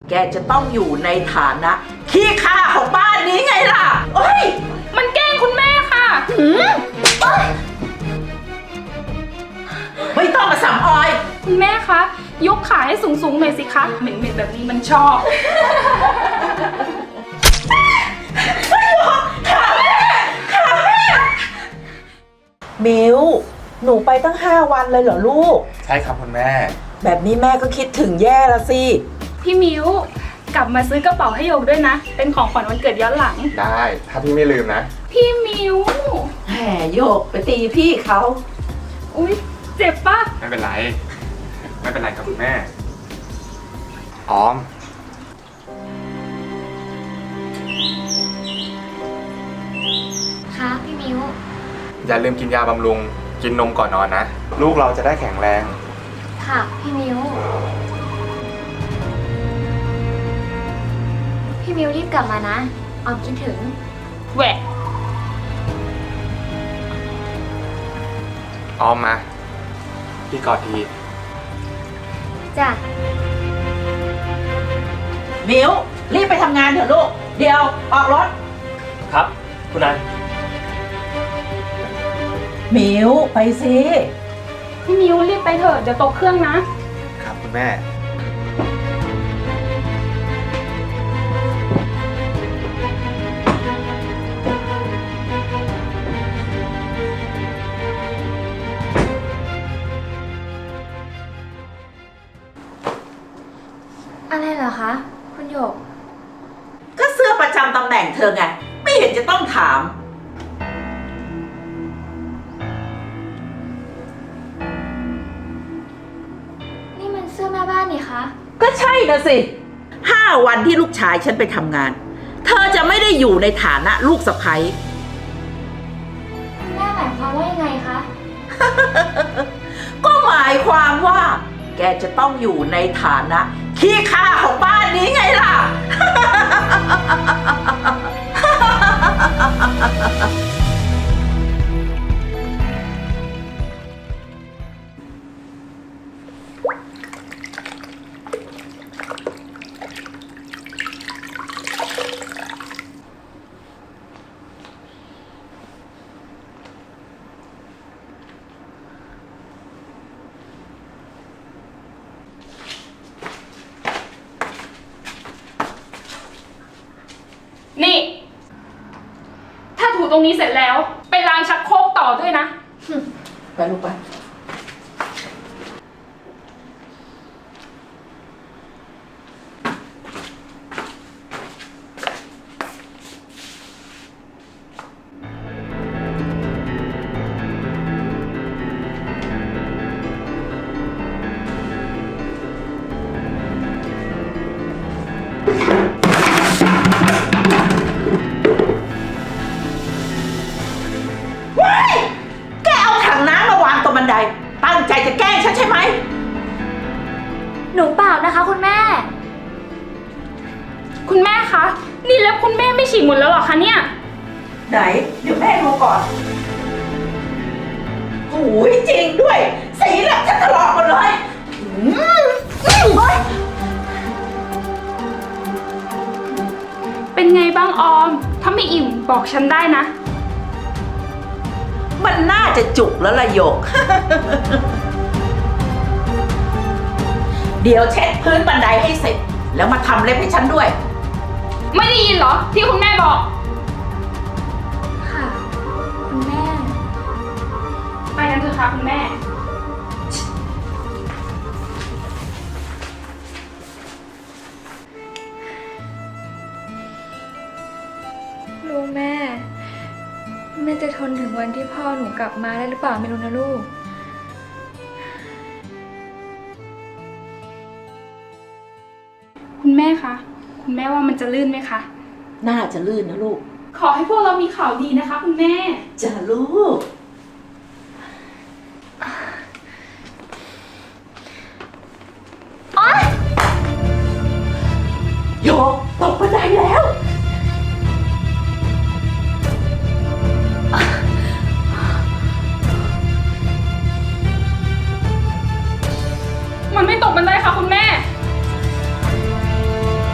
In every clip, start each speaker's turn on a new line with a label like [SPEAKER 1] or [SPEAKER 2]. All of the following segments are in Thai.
[SPEAKER 1] แกจะต้องอยู่ในฐานะขี้ข้าของบ้านนี้ไงล่ะเอ้ย
[SPEAKER 2] มันแกล้งคุณแม่ค่ะ
[SPEAKER 1] ไม่ต้องมาสัมออย
[SPEAKER 2] คุณแม่คะยกขาให้สูงๆหน่อยสิคะเหม็นๆแบบนี้มันชอบ
[SPEAKER 1] มิวหนูไปตั้ง5 วันเลยเหรอลูก
[SPEAKER 3] ใช่ครับคุณแม่
[SPEAKER 1] แบบนี้แม่ก็คิดถึงแย่ละสิ
[SPEAKER 2] พี่มิวกลับมาซื้อกระเป๋าให้โยกด้วยนะเป็นของขวัญวันเกิดย้อนหลัง
[SPEAKER 3] ได้ถ้าพี่ไม่ลืมนะ
[SPEAKER 2] พี่มิว
[SPEAKER 1] แหมโยกไปตีพี่เขา
[SPEAKER 2] อุ๊ยเจ็บปะ
[SPEAKER 3] ไม่เป็นไรครับคุณแม่ออม
[SPEAKER 4] ค่ะพี่มิว
[SPEAKER 3] อย่าลืมกินยาบำรุงกินนมก่อนนอนนะลูกเราจะได้แข็งแรง
[SPEAKER 4] ค่ะพี่มิวพี่มิวรีบกลับมานะออมคิดถึง
[SPEAKER 2] แหวะ
[SPEAKER 3] ออมมาพี่กอดที
[SPEAKER 4] จ้ะ
[SPEAKER 1] มิวรีบไปทำงานเถอะลูกเดี๋ยวออกรถ
[SPEAKER 5] ครับคุณนาย
[SPEAKER 1] มิวไปสิ
[SPEAKER 2] พี่มิวรีบไปเถอะเดี๋ยวตกเครื่องนะครับ
[SPEAKER 3] คุณแม่
[SPEAKER 4] อะไรเหรอคะคุณหยก
[SPEAKER 1] ก็เสื้อประจำตำแหน่งเธอไงไม่เห็นจะต้องถาม
[SPEAKER 4] นี่มันเสื้อแม่บ้านนี่คะ
[SPEAKER 1] ก็ใช่นะสิ5 วันที่ลูกชายฉันไปทำงานเธอจะไม่ได้อยู่ในฐานะลูกสะใภ้
[SPEAKER 4] แม่หมายความว่ายังไงคะ
[SPEAKER 1] ก็หมายความว่าแกจะต้องอยู่ในฐานะขี้ข้าของบ้านนี้ไงล่ะ
[SPEAKER 2] นี่ถ้าถูตรงนี้เสร็จแล้วไปล้างชักโครกต่อด้วยนะ
[SPEAKER 1] ไปลูกไปแกเอาถังน้ำมาวางตรงบันไดตั้งใจจะแกล้งฉันใช่ไหม
[SPEAKER 4] หนูเปล่านะคะคุณแม่
[SPEAKER 2] คุณแม่คะนี่เล็บคุณแม่ไม่ฉีกหมดแล้วหรอคะเนี่ย
[SPEAKER 1] ไหนเดี๋ยวแม่ดูก่อนโอ้ยจริงด้วยสีเล็บฉันถลอกหมดเลย
[SPEAKER 2] เป็นไงบ้างออมถ้าไม่อิ่มบอกฉันได้นะ
[SPEAKER 1] มันน่าจะจุกแล้วล่ะโยก เดี๋ยวเช็ดพื้นบันไดให้เสร็จแล้วมาทำเล็บให้ฉันด้วย
[SPEAKER 2] ไม่ได้ยินเหรอที่คุณแม่บอก
[SPEAKER 4] ค่ะคุณแม่
[SPEAKER 2] ไปกันเถอะค่ะคุณแม่
[SPEAKER 4] ลูกแม่จะทนถึงวันที่พ่อหนูกลับมาได้หรือเปล่าไม่รู้นะลูก
[SPEAKER 2] คุณแม่คะคุณแม่ว่ามันจะลื่นไหมคะ
[SPEAKER 1] น่าจะลื่นนะลูก
[SPEAKER 2] ขอให้พวกเรามีข่าวดีนะคะคุณแม่
[SPEAKER 1] จะลูกโยกตกบันไดแล้ว
[SPEAKER 2] มันไม่ตกบันไดค่ะคุณแม่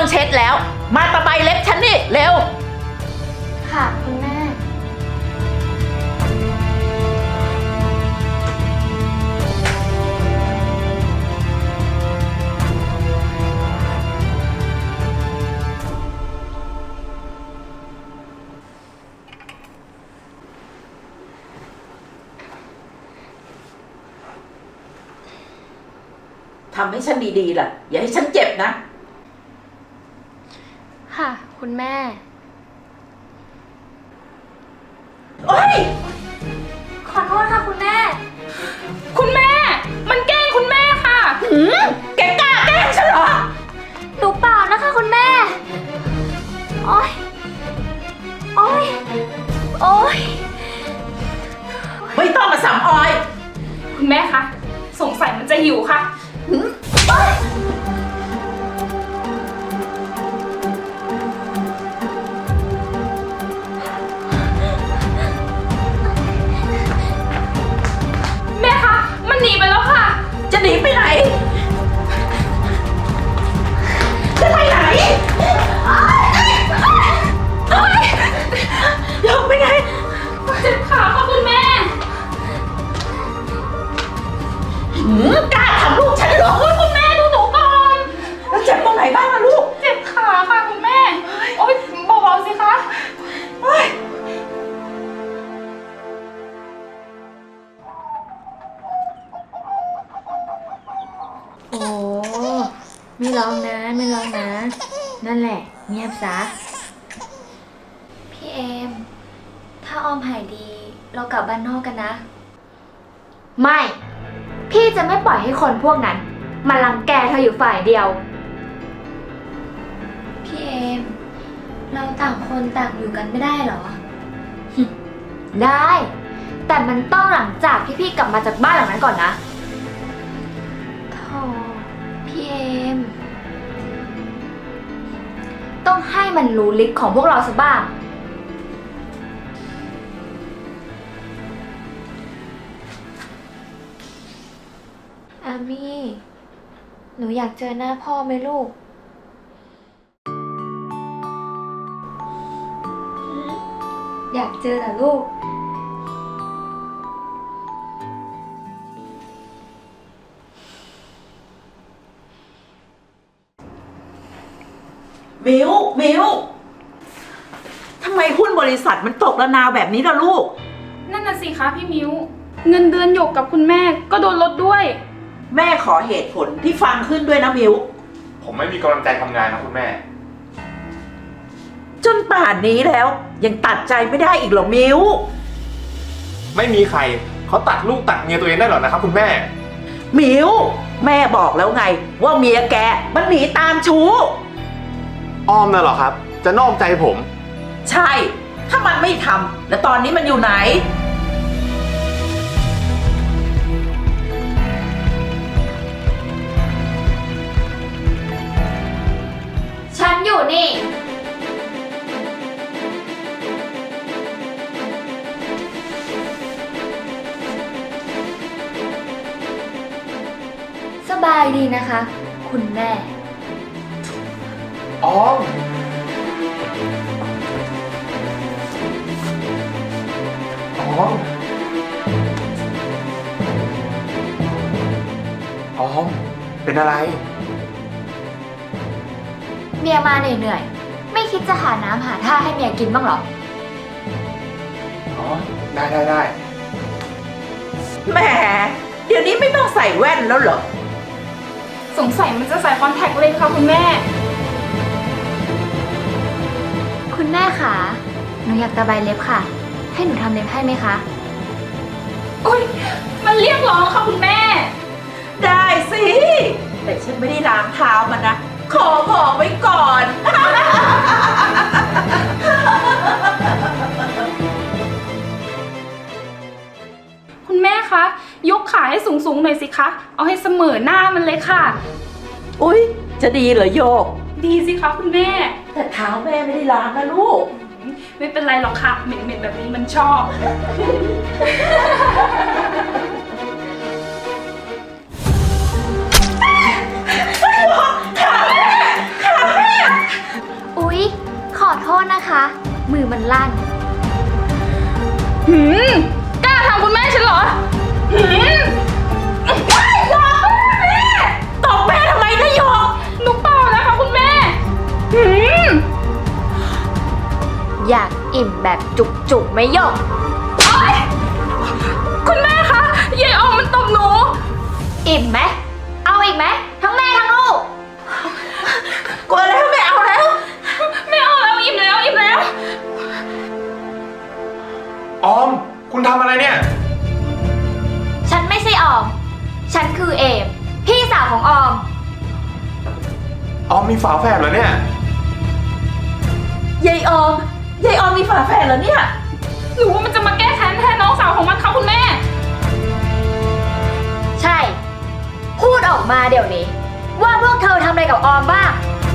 [SPEAKER 1] เช็ดแล้ว มาตะไบเล็บฉันนี่เร็ว
[SPEAKER 4] ค่ะคุณแม่
[SPEAKER 1] ทำให้ฉันดีๆล่ะ อย่าให้ฉันเจ็บนะ
[SPEAKER 4] ค่ะ คุณแม่
[SPEAKER 1] โอ๊ย
[SPEAKER 4] ขอโทษค่ะคุณแม่
[SPEAKER 2] คุณแม่ มันแกล้งคุณแม่ค่ะ
[SPEAKER 1] แกกล้าแกล้งฉันเหรอ
[SPEAKER 4] หนูเปล่านะคะคุณแม่ โอ๊ย โอ๊ย โอ๊ย
[SPEAKER 1] ไม่ต้องมาสำออย
[SPEAKER 2] คุณแม่คะสงสัยมันจะหิวค่ะ แม่คะมันหนีไปแล้วค่ะ
[SPEAKER 1] จะหนีไปไหน จะไปไหนเดี๋ยวไปไหน
[SPEAKER 2] เจ็บขาค่ะคุณแม่
[SPEAKER 1] กล้าทำลูกฉันเหรอ
[SPEAKER 2] คุณแม่ดูหนูก่อน
[SPEAKER 1] แล้วเจ็บตรงไหนบ้างล่ะลูก
[SPEAKER 2] เจ็บขาค่ะคุณแม่ โอ๊ยเบาๆสิคะ
[SPEAKER 4] โอ้ไม่ร้องนะ ไม่ร้องนะ นั่นแหละ เงียบซะ พี่เอม ถ้าออมหายดี เรากลับบ้านนอกกันนะ
[SPEAKER 6] ไม่ พี่จะไม่ปล่อยให้คนพวกนั้นมารังแกเธออยู่ฝ่ายเดียว
[SPEAKER 4] พี่เอม เราต่างคนต่างอยู่กันไม่ได้เหรอ
[SPEAKER 6] ได้ แต่มันต้องหลังจากที่พี่กลับมาจากบ้านหลังนั้นก่อนนะ
[SPEAKER 4] โธ่พี่เอม
[SPEAKER 6] ต้องให้มันรู้ฤทธิ์ของพวกเราสักบ้าง
[SPEAKER 4] อามี่ หนูอยากเจอหน้าพ่อไหมลูก อยากเจอเหรอลูก
[SPEAKER 1] มิวทำไมหุ้นบริษัทมันตกระนาวแบบนี้ล่ะลูก
[SPEAKER 2] นั่นน่ะสิคะพี่มิ้ว เงินเดือนหยกกับคุณแม่ก็โดนลดด้วย
[SPEAKER 1] แม่ขอเหตุผลที่ฟังขึ้นด้วยนะมิว
[SPEAKER 3] ผมไม่มีกำลังใจทำงานนะคุณแม่
[SPEAKER 1] จนป่านนี้แล้ว ยังตัดใจไม่ได้อีกเหรอมิว
[SPEAKER 3] ไม่มีใครเขาตัดลูกตัดเมียตัวเองได้หรอกนะครับคุณแม่
[SPEAKER 1] มิวแม่บอกแล้วไง ว่าเมียแกมันหนีตามชู้
[SPEAKER 3] อ้อมน่ะเหรอครับ จะนอกใจผม
[SPEAKER 1] ใช่ ถ้ามันไม่ทำแล้วตอนนี้มันอยู่ไหน
[SPEAKER 6] ฉันอยู่นี่
[SPEAKER 4] สบายดีนะคะ คุณแม่
[SPEAKER 3] อ้อม อ้อม อ้อม เป็นอะไร
[SPEAKER 6] เมียมาเหนื่อยๆ ไม่คิดจะหาน้ำหาท่าให้เมียกินบ้างเหรอ
[SPEAKER 3] อ๋อ ได้
[SPEAKER 1] แหมเดี๋ยวนี้ไม่ต้องใส่แว่นแล้วเหรอ
[SPEAKER 2] สงสัยมันจะใส่คอนแทคเลนส์ค่ะคุณแม่
[SPEAKER 6] คุณแม่คะหนูอยากตะไบเล็บค่ะ ให้หนูทำเล็บให้ไหมคะ
[SPEAKER 2] อุ้ยมันเรียกร้องค่ะคุณแม่
[SPEAKER 1] ได้สิ แต่ฉันไม่ได้ล้างเท้ามันนะ ขอบอกไว้ก่อน
[SPEAKER 2] คุณแม่คะ ยกขาให้สูงๆหน่อยสิคะ เอาให้เสมอหน้ามันเลยค่ะ
[SPEAKER 1] อุ๊ย จะดีเหรอโยก
[SPEAKER 2] ดีสิคะคุณแม่
[SPEAKER 1] แต่เท้าแม่ไม่ได้ล้างนะลูก
[SPEAKER 2] ไม่เป็นไรหรอกค่ะ เหม็นๆแบบนี้มันชอบ
[SPEAKER 1] ขาแม่
[SPEAKER 6] มันลั่น
[SPEAKER 2] กล้าทำคุณแม่ฉันเหรอ
[SPEAKER 1] ตบแม่ทำไมนะหยก
[SPEAKER 2] หนูเปล่านะคะคุณแม่
[SPEAKER 6] อยากอิ่มแบบจุกๆไหม่ยก
[SPEAKER 2] คุณแม่คะยายออมมันตบหนู
[SPEAKER 6] อิ่มไหม เอาอีกไหม ทั้งแม่ทั้งลูก
[SPEAKER 1] กลัวแล้วไม่เอาแล้ว
[SPEAKER 2] ไม่เอาแล้วอิ่มแล้วอิ่มแล้ว
[SPEAKER 3] ออม คุณทำอะไรเนี่ย
[SPEAKER 6] ฉันไม่ใช่ออม ฉันคือเอม พี่สาวของออม
[SPEAKER 3] ออมมีฝาแฝดเหรอเนี่ย
[SPEAKER 1] ยายออมมีฝาแฝดเหรอเนี่ย
[SPEAKER 2] หรือว่ามันจะมาแก้แค้นแทนน้องสาวของมันคะคุณแม่
[SPEAKER 6] ใช่ พูดออกมาเดี๋ยวนี้ ว่าพวกเธอทำอะไรกับออมบ้าง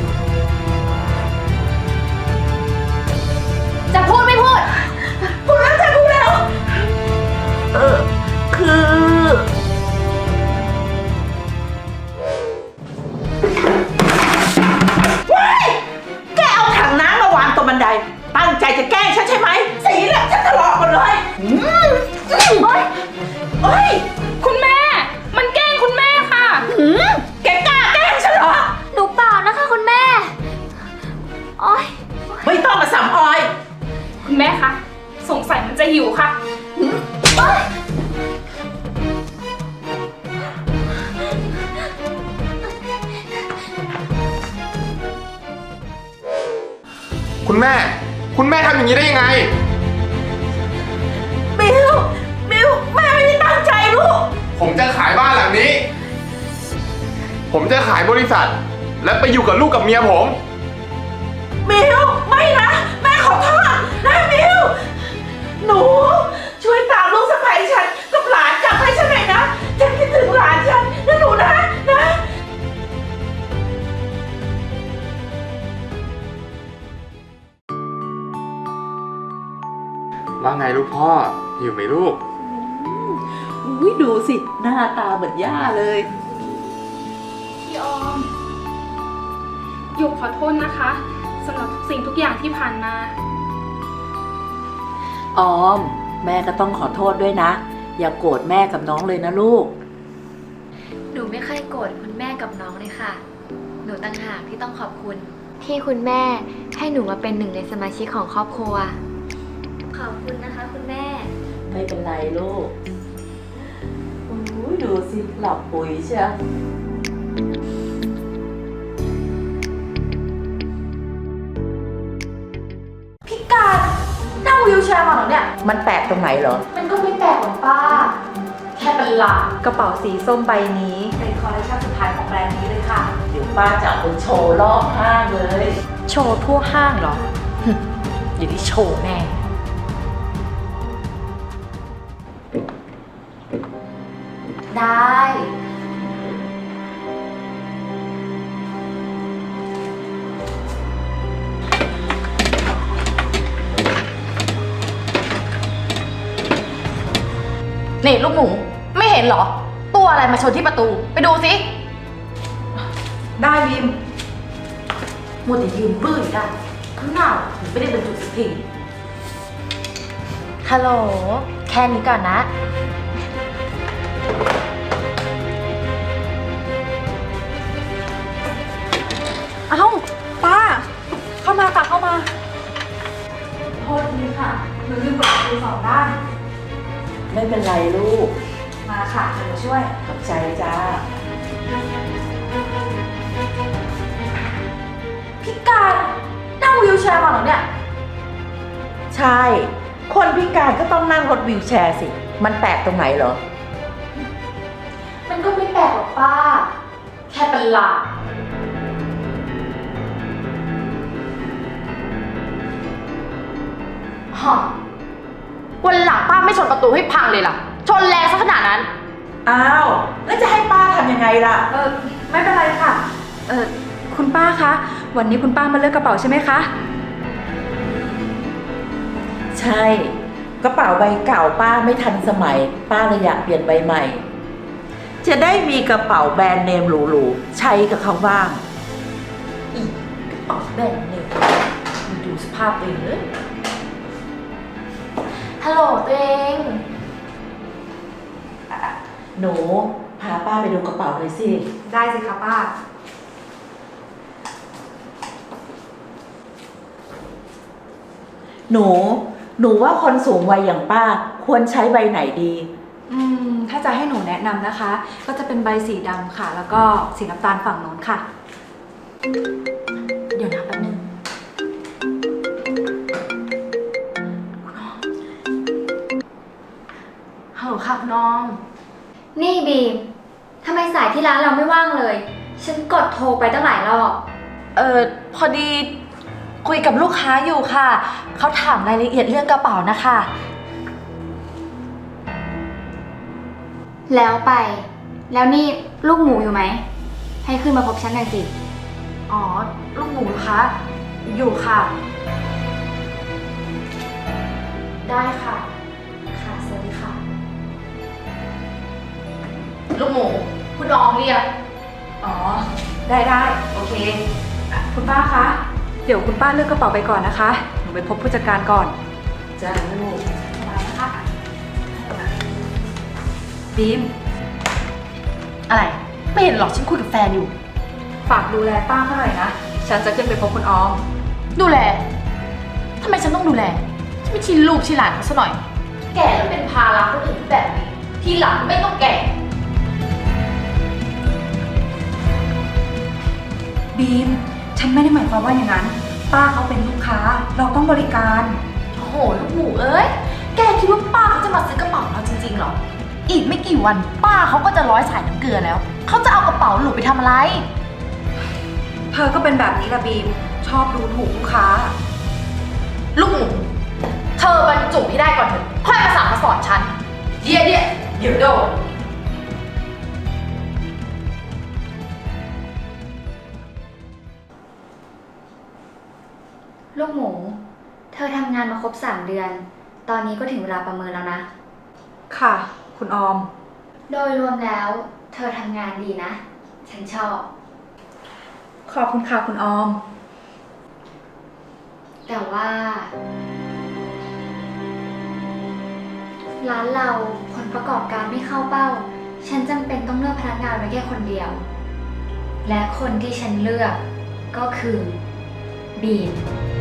[SPEAKER 6] จะพูดไม่พูด
[SPEAKER 1] พูดแล้วจ้ะพูดแล้ว คือ ว้ายแกเอาถังน้ำมาวางตรงบันได ตั้งใจจะแกล้งฉันใช่ไหม สีเหลืองฉันทะเลาะหมดเลยโอ๊ยโอ๊ย
[SPEAKER 2] คุณแม่ มันแกล้งคุณแม่ค่ะ
[SPEAKER 1] แกกล้าแกล้งฉันเหรอ
[SPEAKER 6] หนูเปล่านะคะคุณแม่ โอ๊ย
[SPEAKER 1] ไม่ต้องมาสัมออย
[SPEAKER 2] คุณแม่คะ สงสัยมันจะหิวค่ะ
[SPEAKER 3] คุณแม่ คุณแม่ทำอย่างนี้ได้ยังไง
[SPEAKER 1] บิวแม่ไม่ได้ตั้งใจลูก
[SPEAKER 3] ผมจะขายบ้านหลังนี้ ผมจะขายบริษัท และไปอยู่กับลูกกับเมียผม
[SPEAKER 1] บิวไม่นะ แม่ขอโทษนะบิวหนูช่วยตามลูกสะใภ้ฉันกับหลานกลับให้ฉันหน่อยนะ ฉันคิดถึงหลานฉันนะหนูนะ
[SPEAKER 3] ว่าไงลูกพ่อ หิวไหมลูก
[SPEAKER 1] อุ้ยดูสิ หน้าตาเหมือนย่าเลย
[SPEAKER 2] พี่ออมหยกขอโทษนะคะสำหรับทุกสิ่งทุกอย่างที่ผ่านมา
[SPEAKER 1] ออม แม่ก็ต้องขอโทษด้วยนะ อย่าโกรธแม่กับน้องเลยนะลูก
[SPEAKER 4] หนูไม่เคยโกรธคุณแม่กับน้องเลยค่ะ หนูต่างหากที่ต้องขอบคุณ ที่คุณแม่ให้หนูมาเป็นหนึ่งในสมาชิกของครอบครัว ขอบคุณนะคะคุณแม่
[SPEAKER 1] ไม่เป็นไรลูกอุ้ยดูสิ หลับปุ๋ยเชียวพิการนั่งวิวแชร์มาเหรอเนี่ย มันแปลกตรงไหนเหรอ
[SPEAKER 6] มันก็ไม่แปลกหรอกป้า แค่เป็นหลาด
[SPEAKER 7] กระเป๋าสีส้มใบนี้เป็นคอลเลคชันสุดท้ายของแบรนด์นี้เลยค่ะ
[SPEAKER 1] เดี๋ยวป้าจะเอาไปโชว์รอบห้างเลย
[SPEAKER 7] โชว์ทั่วห้างเหรอ อย่าได้โชว์แน่
[SPEAKER 6] ได้
[SPEAKER 7] นี่ลูกหมูไม่เห็นเหรอ ตัวอะไรมาชนที่ประตู ไปดูสิ
[SPEAKER 1] ได้บิมมัวแต่ยืนบื้ออยู่ได้ข้างหน้าถึงไม่ได้บรรจุสักที
[SPEAKER 6] ฮัลโหล แค่นี้ก่อนนะ
[SPEAKER 7] เอ้า ป้า เข้ามาค่ะเข้ามา โทษทีค่ะหนูลืมเปิดประตู2 ด้าน
[SPEAKER 1] ไม่เป็นไรลูก
[SPEAKER 7] มาค่ะเดี๋ยวหนูช่วย
[SPEAKER 1] ขอบใจจ้า
[SPEAKER 7] พิการนั่งวิวแชร์มาเหรอเนี่ย
[SPEAKER 1] ใช่ คนพิการก็ต้องนั่งรถวีลแชร์สิ มันแปลกตรงไหนเหรอ
[SPEAKER 6] มันก็ไม่แปลกหรอกป้า แค่เป็นหลาด
[SPEAKER 7] ฮะวันหลังป้าไม่ชนประตูให้พังเลยล่ะ ชนแรงซะขนาดนั้น
[SPEAKER 1] อ้าว แล้วจะให้ป้าทำยังไงล่ะ
[SPEAKER 7] ไม่เป็นไรค่ะ คุณป้าคะ วันนี้คุณป้ามาเลือกกระเป๋าใช่ไหมคะ
[SPEAKER 1] ใช่ กระเป๋าใบเก่าป้าไม่ทันสมัย ป้าเลยอยากเปลี่ยนใบใหม่ จะได้มีกระเป๋าแบรนด์เนมหรูๆ ใช้กับเขาบ้าง
[SPEAKER 7] อีกกระเป๋าแบรนด์เนมดูสภาพเองเลย
[SPEAKER 6] ฮัลโหลตัวเอง
[SPEAKER 1] หนูพาป้าไปดูกระเป๋าหน่อยสิ
[SPEAKER 7] ได้สิคะป้า
[SPEAKER 1] หนูว่าคนสูงวัยอย่างป้าควรใช้ใบไหนดี
[SPEAKER 7] ถ้าจะให้หนูแนะนำนะคะ ก็จะเป็นใบสีดำค่ะ แล้วก็สีน้ำตาลฝั่งโน้นค่ะ
[SPEAKER 6] เดี๋ยวนะแป๊บนึงฮัลโหลค่ะคุณน้อง นี่บีม ทำไมสายที่ร้านเราไม่ว่างเลย ฉันกดโทรไปตั้งหลายรอบ
[SPEAKER 8] พอดีคุยกับลูกค้าอยู่ค่ะ เขาถามรายละเอียดเรื่องกระเป๋านะคะ
[SPEAKER 6] แล้วไป แล้วนี่ลูกหมูอยู่ไหม ให้ขึ้นมาพบฉันหน่อยสิ
[SPEAKER 8] อ๋อ ลูกหมูคะ อยู่ค่ะ
[SPEAKER 6] ได้ค่ะ ค่ะ สวัสดีค่ะ
[SPEAKER 8] ลูกหมู คุณน้องเรียก
[SPEAKER 7] อ๋อ ได้โอเค คุณป้าคะ เดี๋ยวคุณป้าเลือกกระเป๋าไปก่อนนะคะ หนูไปพบผู้จัดการก่อน
[SPEAKER 1] จ้าลูก
[SPEAKER 7] มานะคะบีม
[SPEAKER 8] อะไร ไม่เห็นหรอกฉันคุยกับแฟนอยู่
[SPEAKER 7] ฝากดูแลป้าเขาหน่อยนะ ฉันจะขึ้นไปพบคุณออม
[SPEAKER 8] ดูแล ทำไมฉันต้องดูแล ฉันไม่ชินลูกชินหลานเขาซะหน่อย แก่แล้วเป็นภาระคนอื่นแบบนี้ ทีหลังไม่ต้องแก่
[SPEAKER 7] บีม ฉันไม่ได้หมายความว่าอย่างนั้น ป้าเขาเป็นลูกค้า เราต้องบริการ
[SPEAKER 8] โอ้โห ลูกหมูเอ้ย แกคิดว่าป้าเขาจะมาซื้อกระเป๋าเราจริงๆหรอ อีกไม่กี่วัน ป้าเขาก็จะร้อยสายน้ำเกลือแล้ว เขาจะเอากระเป๋าหนูไปทำอะไร
[SPEAKER 7] เธอก็เป็นแบบนี้ละบีม ชอบดูถูกลูกค้า
[SPEAKER 8] ลูกหมู เธอบรรจุให้ได้ก่อนเถอะ ค่อยมาสั่งมาสอนฉัน เดี๋ยวโดน
[SPEAKER 6] ลูกหมู เธอทำงานมาครบ3 เดือน ตอนนี้ก็ถึงเวลาประเมินแล้วนะ
[SPEAKER 7] ค่ะ คุณออม
[SPEAKER 6] โดยรวมแล้ว เธอทำงานดีนะ ฉันชอบ
[SPEAKER 7] ขอบคุณค่ะคุณออม
[SPEAKER 6] แต่ว่า ร้านเราผลประกอบการไม่เข้าเป้า ฉันจำเป็นต้องเลือกพนักงานไว้แค่คนเดียว และคนที่ฉันเลือกก็คือบีม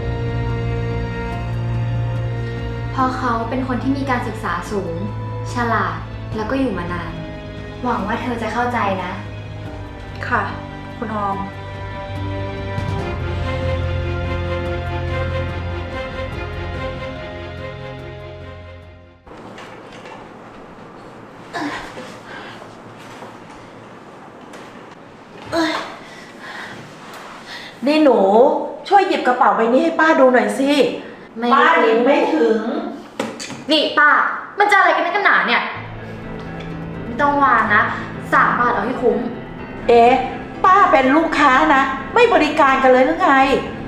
[SPEAKER 6] เพราะเขาเป็นคนที่มีการศึกษาสูง ฉลาด แล้วก็อยู่มานาน หวังว่าเธอจะเข้าใจนะ
[SPEAKER 7] ค่ะ คุณออม
[SPEAKER 1] นี่หนูช่วยหยิบกระเป๋าใบนี้ให้ป้าดูหน่อยสิ
[SPEAKER 6] ไม่
[SPEAKER 1] ป้าหยิบไม่ถึง
[SPEAKER 6] นี่ป้า มันจะอะไรกันนักกันหนาเนี่ย ไม่ต้องวางนะ3 บาทเอาให้คุ้ม
[SPEAKER 1] เอ๊ะป้าเป็นลูกค้านะ ไม่บริการกันเลยหรือไง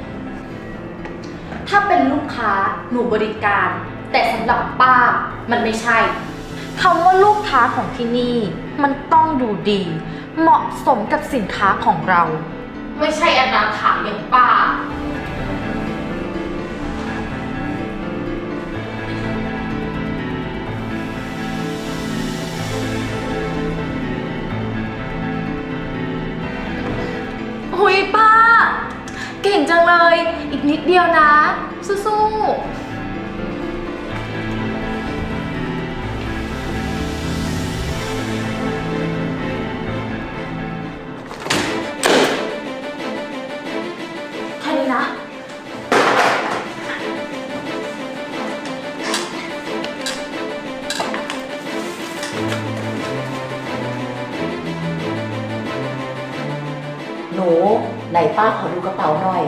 [SPEAKER 6] ถ้าเป็นลูกค้าหนูบริการ แต่สำหรับป้ามันไม่ใช่
[SPEAKER 8] คำว่าลูกค้าของที่นี่ มันต้องดูดี เหมาะสมกับสินค้าของเรา
[SPEAKER 6] ไม่ใช่อนาถาอย่างป้า
[SPEAKER 8] หุยป้า เก่งจังเลย อีกนิดเดียวนะ สู้ๆแค่นี้นะ
[SPEAKER 1] หนูไหนป้าขอดูกระเป๋าหน่อย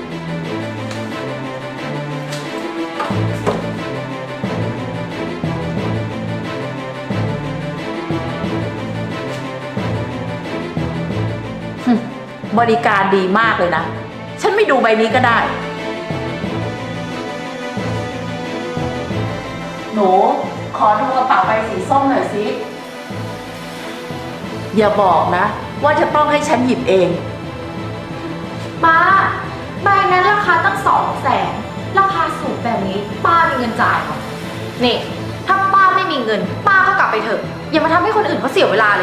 [SPEAKER 1] บริการดีมากเลยนะ ฉันไม่ดูใบนี้ก็ได้ หนูขอดูกระเป๋าใบสีส้มหน่อยสิ อย่าบอกนะ ว่าจะต้องให้ฉันหยิบเอง
[SPEAKER 8] ป้า ใบนั้นราคาตั้ง200,000ราคาสูงแบบนี้ ป้ามีเงินจ่ายเหรอนี่ ถ้าป้าไม่มีเงิน ป้าก็กลับไปเถอะ อย่ามาทำให้คนอื่นเขาเสียเวลาเลย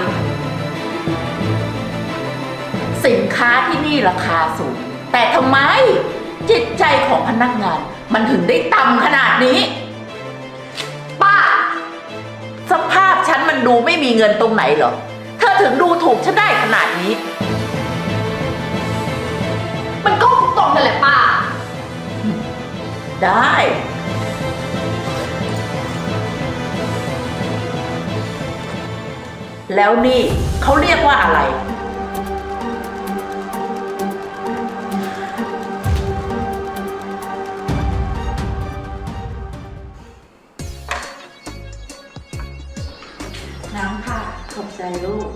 [SPEAKER 1] สินค้าที่นี่ราคาสูง แต่ทำไมจิตใจของพนักงาน มันถึงได้ต่ำขนาดนี้
[SPEAKER 8] ป้า
[SPEAKER 1] สภาพฉันมันดูไม่มีเงินตรงไหนเหรอ เธอถึงดูถูกฉันได้ขนาดนี้
[SPEAKER 8] มันก็ตรงกันแหละป้า
[SPEAKER 1] ได้ แล้วนี่เขาเรียกว่าอะไร
[SPEAKER 7] น้ำค่ะ
[SPEAKER 1] ขอบใจลูก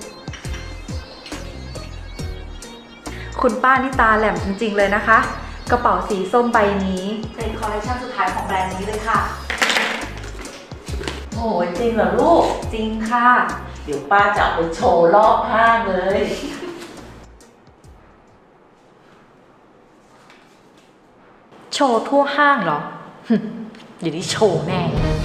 [SPEAKER 7] คุณป้านี่ตาแหลมจริงๆเลยนะคะ กระเป๋าสีส้มใบนี้
[SPEAKER 8] เป็นคอลเลคชันสุดท้ายของแบรนด์นี้เลยค่ะ
[SPEAKER 1] โอ้ยจริงเหรอลูก
[SPEAKER 7] จริงค่ะ
[SPEAKER 1] เดี๋ยวป้าจะเอาไปโชว์รอบห้างเลย
[SPEAKER 8] โชว์ทั่วห้างเหรอ เดี๋ยวนี้โชว์แน่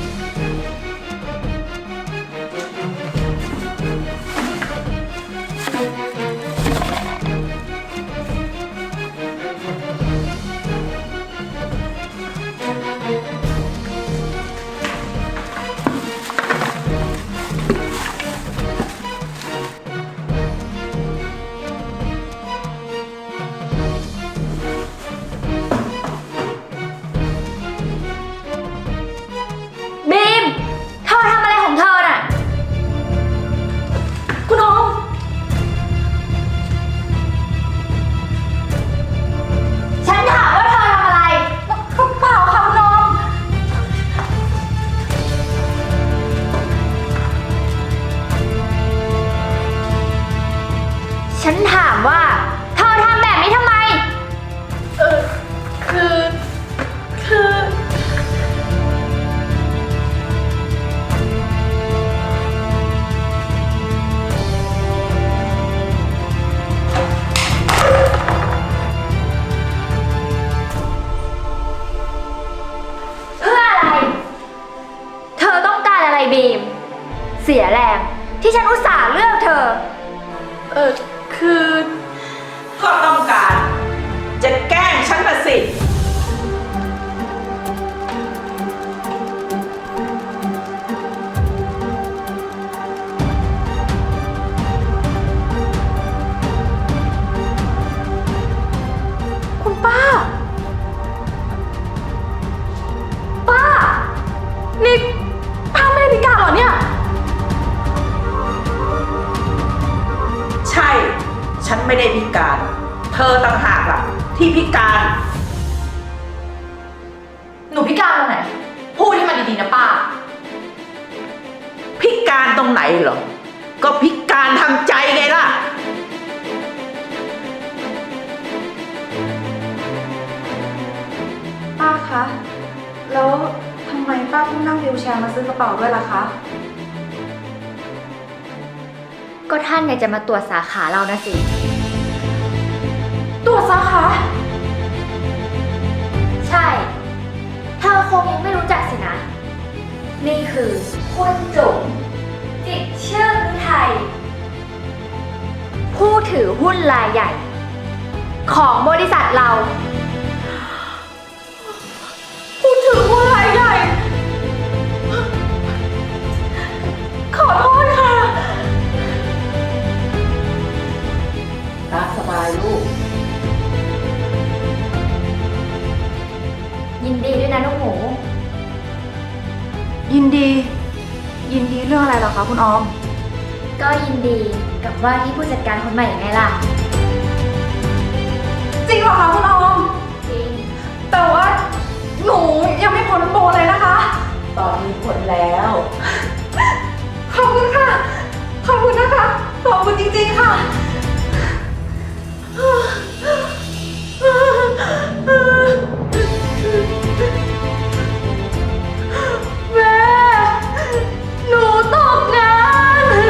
[SPEAKER 6] บีม เธอทำอะไรของเธอน่ะ
[SPEAKER 8] คุณน้อง
[SPEAKER 6] ฉันถามว่าเธอทำอะไร
[SPEAKER 8] เปล่าค่ะคุณน้อง
[SPEAKER 6] ฉันถามว่า เธอทำแบบนี้ทำไม
[SPEAKER 8] คือ
[SPEAKER 6] เพื่ออะไร เธอต้องการอะไรบีม เสียแรงที่ฉันอุตส่าห์เลือกเธอ
[SPEAKER 8] คือ
[SPEAKER 1] ก็ต้องการ จะแกล้งฉันมาสิ
[SPEAKER 8] คุณป้า ป้า นี่ป้าไม่ได้พิการเหรอเนี่ย
[SPEAKER 1] ใช่ ฉันไม่ได้พิการ เธอต่างหากล่ะ ที่พิการ
[SPEAKER 8] หนูพิการตรงไหน พูดให้มันดีๆนะป้า
[SPEAKER 1] พิการตรงไหนเหรอ ก็พิการทางใจไงล่ะ
[SPEAKER 7] ป้าคะ แล้วทำไมป้าต้องนั่งวีลแชร์มาซื้อกระเป๋าด้วยล่ะคะ
[SPEAKER 6] ก็ท่านอยากจะมาตรวจสาขาเรานะสิ
[SPEAKER 8] ตัวสาขา
[SPEAKER 6] ใช่ เธอคงยังไม่รู้จักสินะ นี่คือคุณจุ๋มจิตรชื่นฤทัยผู้ถือหุ้นรายใหญ่ ของบริษัทเรา
[SPEAKER 8] พูดถึงผู้รายใหญ่ ขอโทษค่ะ
[SPEAKER 1] ตามสบายลูก
[SPEAKER 6] ยินดีด้วยนะลูกหมู
[SPEAKER 7] ยินดี ยินดีเรื่องอะไรเหรอคะคุณออม
[SPEAKER 6] ก็ยินดีกับว่าที่ผู้จัดการคนใหม่ไงล่ะ
[SPEAKER 7] จริงเหรอคะคุณออม
[SPEAKER 6] จริง
[SPEAKER 7] แต่ว่าหนูยังไม่พ้นโปรเลยนะคะ
[SPEAKER 1] ตอนนี้ผลแล้ว
[SPEAKER 7] ขอบคุณค่ะ ขอบคุณนะคะ ขอบคุณจริงๆค่ะ
[SPEAKER 8] แม่ หนูตกงาน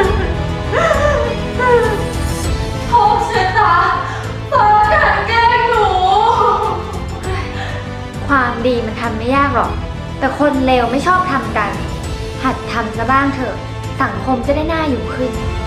[SPEAKER 8] โทษชะตาฟ้ากลั่นแกล้งหนู
[SPEAKER 6] ความดีมันทำไม่ยากหรอกแต่คนเลวไม่ชอบทำกัน หัดทำซะบ้างเถอะ สังคมจะได้น่าอยู่ขึ้น